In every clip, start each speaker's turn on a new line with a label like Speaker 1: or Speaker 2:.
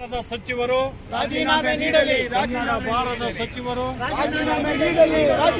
Speaker 1: ಸಚಿವರು
Speaker 2: ರಾಜೀನಾಮೆ ನೀಡಲಿ.
Speaker 1: ಕನ್ನಡ ಬಾರದ ಸಚಿವರು
Speaker 2: ರಾಜೀನಾಮೆ ನೀಡಲಿ.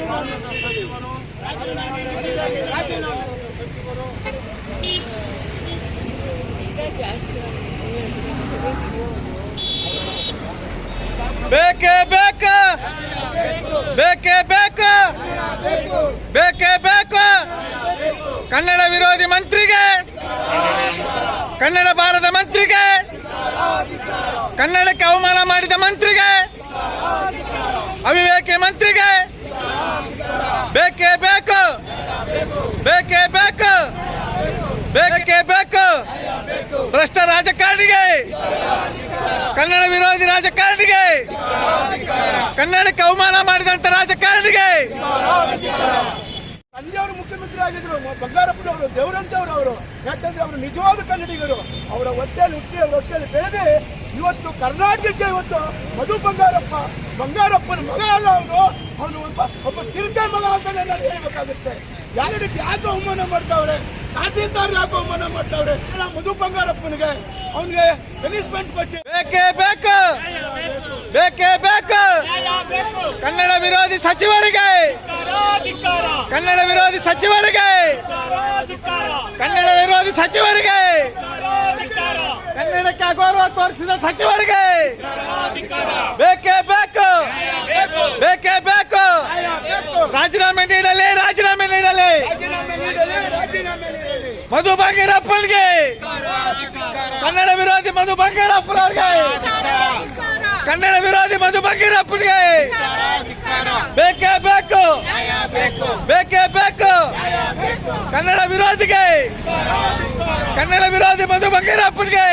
Speaker 3: ಬೇಕೇ ಬೇಕು, ಬೇಕೇ ಬೇಕು, ಬೇಕೇ ಬೇಕು. ಕನ್ನಡ ವಿರೋಧಿ ಮಂತ್ರಿಗೆ, ಕನ್ನಡ ಬಾರದ ಮಂತ್ರಿಗೆ, ಕನ್ನಡಕ್ಕೆ ಅವಮಾನ ಮಾಡಿದ ಮಂತ್ರಿಗೆ, ಅವಿವೇಕಿ ಮಂತ್ರಿಗೆ ಬೇಕೇ ಬೇಕು, ಬೇಕೇ ಬೇಕು, ಬೇಕೇ ಬೇಕು. ಭ್ರಷ್ಟ ರಾಜಕಾರಣಿಗೆ, ಕನ್ನಡ ವಿರೋಧಿ ರಾಜಕಾರಣಿಗೆ, ಕನ್ನಡಕ್ಕೆ ಅವಮಾನ ಮಾಡಿದಂತ ರಾಜಕಾರಣಿಗೆ.
Speaker 2: ತಂದೆಯವರು ಮುಖ್ಯಮಂತ್ರಿ ಆಗಿದ್ರು, ಬಂಗಾರಪ್ಪನವರು, ದೇವರಂತವರು ಅವರು. ಯಾಕಂದ್ರೆ ಅವರು ನಿಜವಾದ ಕನ್ನಡಿಗರು. ಅವರ ಹೊಟ್ಟೆಯಲ್ಲಿ ಹುಟ್ಟಿ, ಅವರ ಹೊಟ್ಟೆಯಲ್ಲಿ ಬೆಳೆದು ಇವತ್ತು ಕರ್ನಾಟಕಕ್ಕೆ ಇವತ್ತು ಮಧು ಬಂಗಾರಪ್ಪನ ಮಗ ಅಲ್ಲ ಅವನು ಒಬ್ಬ ತಿರುಕೆ ಮಗ ಅಂತಾನೆ ನಾನು ಹೇಳಬೇಕಾಗುತ್ತೆ. ಯಾರಿಗೆ ಯಾಕೆ ಅವಮಾನ ಮಾಡ್ತಾವ್ರೆ, ತಹಸೀಲ್ದಾರ್ ಯಾಕೆ ಅವಮಾನ ಮಾಡ್ತಾವ್ರೆ? ಮಧು ಬಂಗಾರಪ್ಪನಿಗೆ ಅವನಿಗೆ ಪನಿಷ್ಮೆಂಟ್ ಕೊಟ್ಟು
Speaker 3: ಬೇಕೇ ಬೇಕು, ಬೇಕೇ ಬೇಕು. ಕನ್ನಡ ವಿರೋಧಿ ಸಚಿವರಿಗೆ, ಕನ್ನಡ ವಿರೋಧಿ ಸಚಿವರಿಗೆ, ಕನ್ನಡ ವಿರೋಧಿ ಸಚಿವರಿಗೆ, ಕನ್ನಡಕ್ಕೆ ಅಗೌರವ ತೋರಿಸಿದ ಸಚಿವರಿಗೆ ಬೇಕೇ ಬೇಕು, ಬೇಕೇ ಬೇಕು. ರಾಜೀನಾಮೆ ನೀಡಲಿ, ರಾಜೀನಾಮೆ ನೀಡಲಿ. ಮಧು ಬಂಗಾರಪ್ಪನಿಗೆ, ಕನ್ನಡ ವಿರೋಧಿ ಮಧು ಬಂಗಾರಪ್ಪನವ್ರಿಗೆ, ಕನ್ನಡ ವಿರೋಧಿ ಮಧು ಬಂಗಾರಪ್ಪನಿಗೆ ಬೇಕೇ ಬೇಕು, ಬೇಕೇ ಬೇಕು. ಕನ್ನಡ ವಿರೋಧಿಗೆ, ಕನ್ನಡ ವಿರೋಧಿ ಮಧು ಬಂಗಾರಪ್ಪನಿಗೆ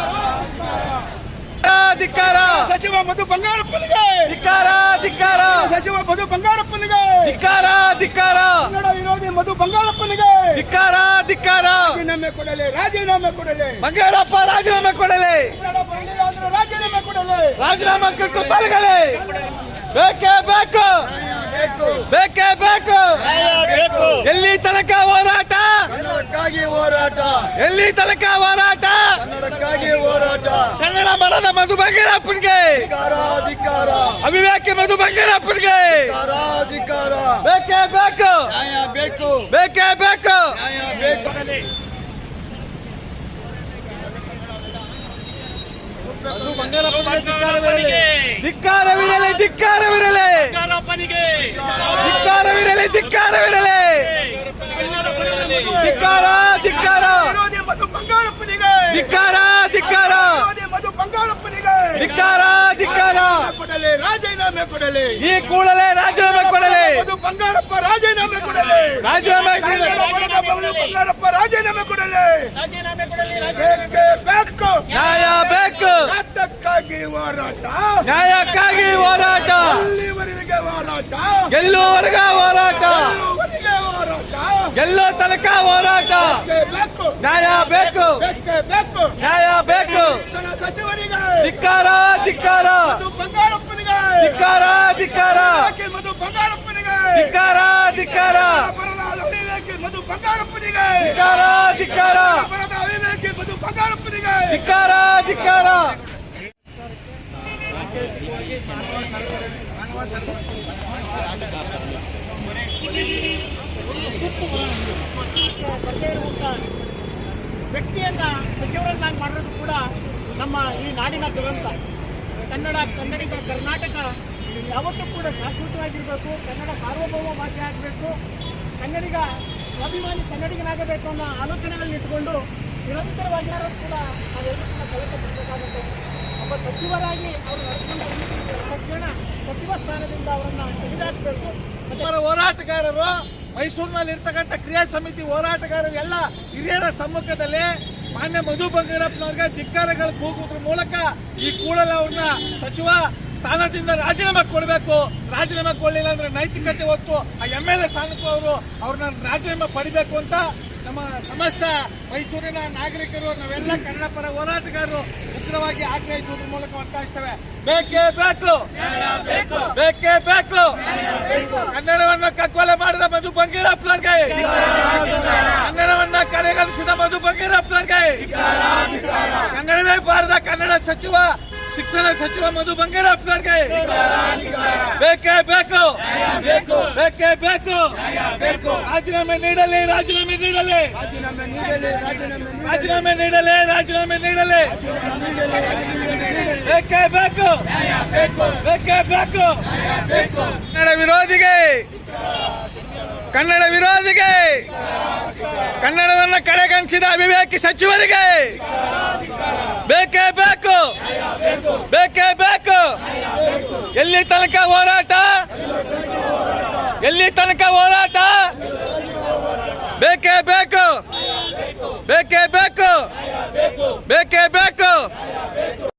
Speaker 3: ಧಿಕ್ಕಾರ.
Speaker 2: ಸಚಿವ ಮಧು ಬಂಗಾರಪ್ಪನಿಗೆ
Speaker 3: ಧಿಕ್ಕಾರ, ಧಿಕ್ಕಾರ.
Speaker 2: ಸಚಿವ ಮಧು ಬಂಗಾರಪ್ಪನಿಗೆ
Speaker 3: ಧಿಕ್ಕಾರ, ಧಿಕ್ಕಾರ.
Speaker 2: ಕನ್ನಡ ವಿರೋಧಿ ಮಧು ಬಂಗಾರಪ್ಪನಿಗೆ
Speaker 3: ಧಿಕ್ಕಾರ, ಧಿಕ್ಕಾರ.
Speaker 2: ರಾಜೀನಾಮೆ ಕೊಡಲಿ, ರಾಜೀನಾಮೆ ಕೊಡಲಿ.
Speaker 3: ಬಂಗಾರಪ್ಪ ರಾಜೀನಾಮೆ ಕೊಡಲಿ,
Speaker 2: ರಾಜೀನಾಮೆ ಕೊಡಲಿ.
Speaker 3: ರಾಜೀನಾಮೆ ಕೊಟ್ಟು ತೊಲಗಲಿ. ಬೇಕೇ ಬೇಕು, ಬೇಕೇ ಬೇಕು. ಎಲ್ಲಿ ತನಕ ಹೋರಾಟ,
Speaker 2: ಕನ್ನಡಕ್ಕಾಗಿ ಹೋರಾಟ,
Speaker 3: ಎಲ್ಲಿ ತನಕ ಹೋರಾಟ.
Speaker 2: ಕನ್ನಡಕ್ಕಾಗಿ ಹೋರಾಟ.
Speaker 3: ಕನ್ನಡ ಬರದ ಮಧು ಬಂಗಾರಪ್ಪನಿಗೆ,
Speaker 2: ಅಧಿಕಾರ,
Speaker 3: ಅವಿವೇಕಿ ಮಧು ಬಂಗಾರಪ್ಪನಿಗೆ
Speaker 2: ಅಧಿಕಾರ.
Speaker 3: ಬೇಕೇ ಬೇಕು,
Speaker 2: ನ್ಯಾಯ ಬೇಕು,
Speaker 3: ಬೇಕೇ ಬೇಕು.
Speaker 2: ನ್ಯಾಯ ಬೇಕು.
Speaker 3: ಧಿಕ್ಕಾರವಿರಲಿ, ಧಿಕ್ಕಾರವಿರಲಿ, ಧಿಕ್ಕಾರವಿರಲಿ, ಧಿಕ್ಕಾರವಿರಲಿ. ಧಿಕ್ಕಾರ, ಧಿಕ್ಕಾರ.
Speaker 2: ವಿರೋಧಿ ಮಧು ಬಂಗಾರಪ್ಪನಿಗೆ,
Speaker 3: ಧಿಕ್ಕಾರ, ಧಿಕ್ಕಾರ.
Speaker 2: ವಿರೋಧಿ ಮಧು ಬಂಗಾರಪ್ಪನಿಗೆ
Speaker 3: ಧಿಕ್ಕಾರ, ಧಿಕ್ಕಾರ.
Speaker 2: ಕೊಡಲಿ, ರಾಜೀನಾಮೆ ಕೊಡಲಿ.
Speaker 3: ಈ ಕೂಡಲೇ ರಾಜೀನಾಮೆ ಕೊಡಲಿ.
Speaker 2: ಮಧು ಬಂಗಾರಪ್ಪ ರಾಜೀನಾಮೆ ಕೊಡಲಿ.
Speaker 3: ರಾಜೀನಾಮೆ ಕೊಡಲಿ.
Speaker 2: ಮಧು ಬಂಗಾರಪ್ಪ ರಾಜೀನಾಮೆ ಕೊಡಲಿ. ಬೇಕೇ ಬೇಕು,
Speaker 3: ನ್ಯಾಯ ಬೇಕು.
Speaker 2: ಯಾತಕ್ಕಾಗಿ ಹೋರಾಟ,
Speaker 3: ನ್ಯಾಯಕ್ಕಾಗಿ ಹೋರಾಟ,
Speaker 2: ಎಲ್ಲಿವರೆಗೆ ಹೋರಾಟ,
Speaker 3: ಗೆಲ್ಲುವವರೆಗೆ ಹೋರಾಟ,
Speaker 2: ಎಲ್ಲಿವರೆಗೆ ಹೋರಾಟ.
Speaker 3: ಗೆಲ್ಲೋ ತನಕ ಹೋರಾಟ.
Speaker 2: ಬೇಕೇ ಬೇಕು,
Speaker 3: ನ್ಯಾಯ ಬೇಕು,
Speaker 2: ಬೇಕೇ ಬೇಕು.
Speaker 3: ನ್ಯಾಯ ಬೇಕು.
Speaker 2: ಶಿಕ್ಷಣ ಸಚಿವರಿಗೆ,
Speaker 3: ಧಿಕ್ಕಾರ, ಧಿಕ್ಕಾರ.
Speaker 2: ಮಧು ಬಂಗಾರಪ್ಪನಿಗೆ,
Speaker 3: ಧಿಕ್ಕಾರ, ಧಿಕ್ಕಾರ.
Speaker 2: ಯಾಕೆ ಮಧು ಬಂಗಾರಪ್ಪನಿಗೆ,
Speaker 3: ಧಿಕ್ಕಾರ, ಧಿಕ್ಕಾರ.
Speaker 2: ಅಪರಾಧ ಅವಿವೇಕಿ ಮಧು ಬಂಗಾರಪ್ಪನಿಗೆ,
Speaker 3: ಧಿಕ್ಕಾರ, ಧಿಕ್ಕಾರ.
Speaker 2: ಅಪರಾಧ ಅವಿವೇಕಿ ಮಧು ಬಂಗಾರಪ್ಪನಿಗೆ.
Speaker 3: ಧಿಕ್ಕಾರ, ಧಿಕ್ಕಾರ.
Speaker 4: ವ್ಯಕ್ತಿಯನ್ನ ಸಚಿವರನ್ನಾಗಿ ಮಾಡೋದು ಕೂಡ ನಮ್ಮ ಈ ನಾಡಿನ ದುರಂತ. ಕನ್ನಡಿಗ ಕರ್ನಾಟಕ ಯಾವತ್ತೂ ಕೂಡ ಶಾಶ್ವತವಾಗಿರಬೇಕು. ಕನ್ನಡ ಸಾರ್ವಭೌಮ ಭಾಷೆ ಆಗಬೇಕು. ಕನ್ನಡಿಗ ಸ್ವಾಭಿಮಾನಿ ಕನ್ನಡಿಗನಾಗಬೇಕು ಅನ್ನೋ ಆಲೋಚನೆಗಳನ್ನ ಇಟ್ಟುಕೊಂಡು ನಿರಂತರವಾಗಿ ಕೂಡ ನಾವೆಲ್ಲರೂ ಕೂಡ ಕಲಿತಬೇಕಾಗುತ್ತೆ. ಒಬ್ಬ ಸಚಿವರಾಗಿ ಅವರು ನಡೆಸಿಕೊಂಡು ತಕ್ಷಣ ಸಚಿವ ಸ್ಥಾನದಿಂದ ಅವರನ್ನು ತೆಗೆದುಹಾಕಬೇಕು.
Speaker 3: ಹೋರಾಟಗಾರರು ಮೈಸೂರಿನಲ್ಲಿ ಇರ್ತಕ್ಕಂಥ ಕ್ರಿಯಾ ಸಮಿತಿ ಹೋರಾಟಗಾರರು ಎಲ್ಲ ಹಿರಿಯರ ಸಮ್ಮುಖದಲ್ಲಿ ಮಾನ್ಯ ಮಧು ಬಂಗಾರಪ್ಪನವ್ರಿಗೆ ಧಿಕ್ಕಾರಗಳು ಕೂಗುವುದ್ರ ಮೂಲಕ ಈ ಕೂಡಲೇ ಅವ್ರನ್ನ ಸಚಿವ ಸ್ಥಾನದಿಂದ ರಾಜೀನಾಮೆ ಕೊಡಬೇಕು. ರಾಜೀನಾಮೆ ಕೊಡಲಿಲ್ಲ ಅಂದ್ರೆ ನೈತಿಕತೆ ಹೊತ್ತು ಆ MLA ಸ್ಥಾನಕ್ಕೂ ಅವ್ರನ್ನ ರಾಜೀನಾಮೆ ಪಡಿಬೇಕು ಅಂತ ನಮ್ಮ ಸಮಸ್ತ ಮೈಸೂರಿನ ನಾಗರಿಕರು ನಾವೆಲ್ಲ ಕನ್ನಡ ಪರ ಹೋರಾಟಗಾರರು ಉಗ್ರವಾಗಿ ಆಗ್ರಹಿಸುವುದರ ಮೂಲಕ ಒತ್ತಾಯಿಸ್ತೇವೆ. ಬೇಕೇ ಬೇಕು, ಬೇಕೇ ಬೇಕು. ಕನ್ನಡವನ್ನ ಕಗ್ಗೊಲೆ ಮಾಡಿದ ಮಧು ಬಂಗಾರಪ್ಪನವ್ರಿಗೆ, ಕನ್ನಡವನ್ನ ಕಡೆಗಣಿಸಿದ ಮಧು ಬಂಗಾರಪ್ಪನವ್ರಿಗೆ, ಕನ್ನಡವೇ ಬಾರದ ಕನ್ನಡ ಸಚಿವ ಶಿಕ್ಷಣ ಸಚಿವ ಮಧು ಬಂಗಾರಪ್ಪನವರಿಗೆ ಬೇಕೇ ಬೇಕು, ಬೇಕೇ ಬೇಕು. ರಾಜೀನಾಮೆ ನೀಡಲಿ, ರಾಜೀನಾಮೆ ನೀಡಲಿ, ರಾಜೀನಾಮೆ ನೀಡಲಿ, ರಾಜೀನಾಮೆ ನೀಡಲಿ. ಬೇಕೇ ಬೇಕು, ಬೇಕೇ ಬೇಕು. ಕನ್ನಡ ವಿರೋಧಿಗೆ, ಕನ್ನಡ ವಿರೋಧಿಗೆ, ಕನ್ನಡವನ್ನು ಕಡೆಗಣಿಸಿದ ಅವಿವೇಕಿ ಸಚಿವರಿಗೆ ಬೇಕೇ ಬೇಕು, ಬೇಕೇ ಬೇಕು. ಎಲ್ಲಿ ತನಕ ಹೋರಾಟ, ಎಲ್ಲಿ ತನಕ ಹೋರಾಟ? ಬೇಕೇ ಬೇಕು, ಬೇಕೇ ಬೇಕು, ಬೇಕೇ ಬೇಕು.